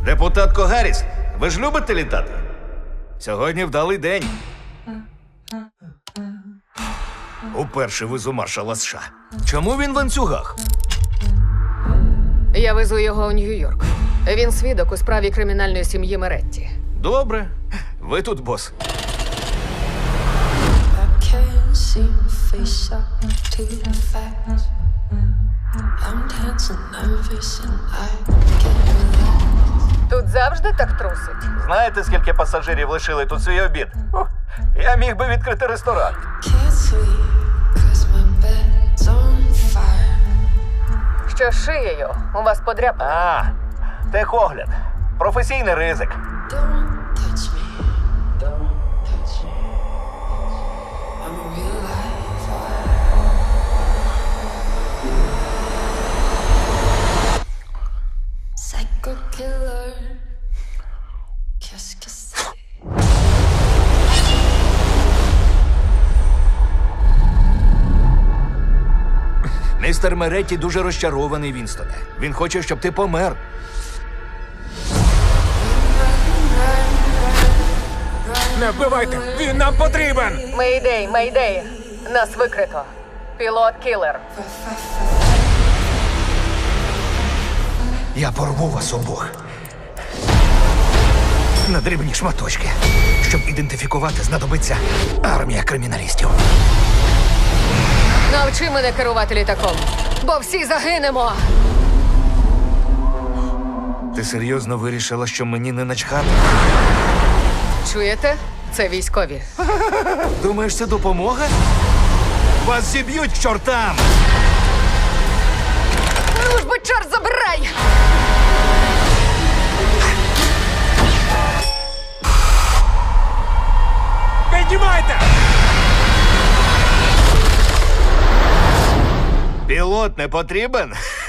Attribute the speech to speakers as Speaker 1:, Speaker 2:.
Speaker 1: Депутатко Гарріс, ви ж любите літати? Сьогодні вдалий день. Уперше везу маршала США. Чому він в ланцюгах?
Speaker 2: Я везу його у Нью-Йорк. Він свідок у справі кримінальної сім'ї Меретті.
Speaker 1: Добре. Ви тут, бос.
Speaker 3: Can't seem to face up to the facts. I'm dancing nervous and I can't relax.
Speaker 2: Тут завжди так трусить.
Speaker 1: Знаєте, скільки пасажирів лишили тут свій обід? Я міг би відкрити ресторан.
Speaker 3: Can't sleep 'cause my bed's on fire.
Speaker 2: Що з шиєю? У вас подряпина.
Speaker 1: Техогляд. Професійний ризик.
Speaker 3: Don't touch me. Don't touch me. I'm a real life fire. Psycho killer. Qu'est-ce que c'est?
Speaker 1: Містер Меретті дуже розчарований, Вінстоне. Він хоче, щоб ти помер.
Speaker 4: Не вбивайте! Він нам потрібен!
Speaker 2: Мейдей, мейдей. Нас викрито. Пілот кілер.
Speaker 1: Я порву вас обох. На дрібні шматочки. Щоб ідентифікувати, знадобиться армія криміналістів.
Speaker 2: Навчи мене керувати літаком, бо всі загинемо.
Speaker 1: Ти серйозно вирішила, що мені не начхати?
Speaker 2: Чуєте? Це військові.
Speaker 1: Думаєш, це допомога? Вас зіб'ють к чортам!
Speaker 2: Ну ж бо чорт забирай!
Speaker 4: Піднімайте!
Speaker 1: Пілот не потрібен?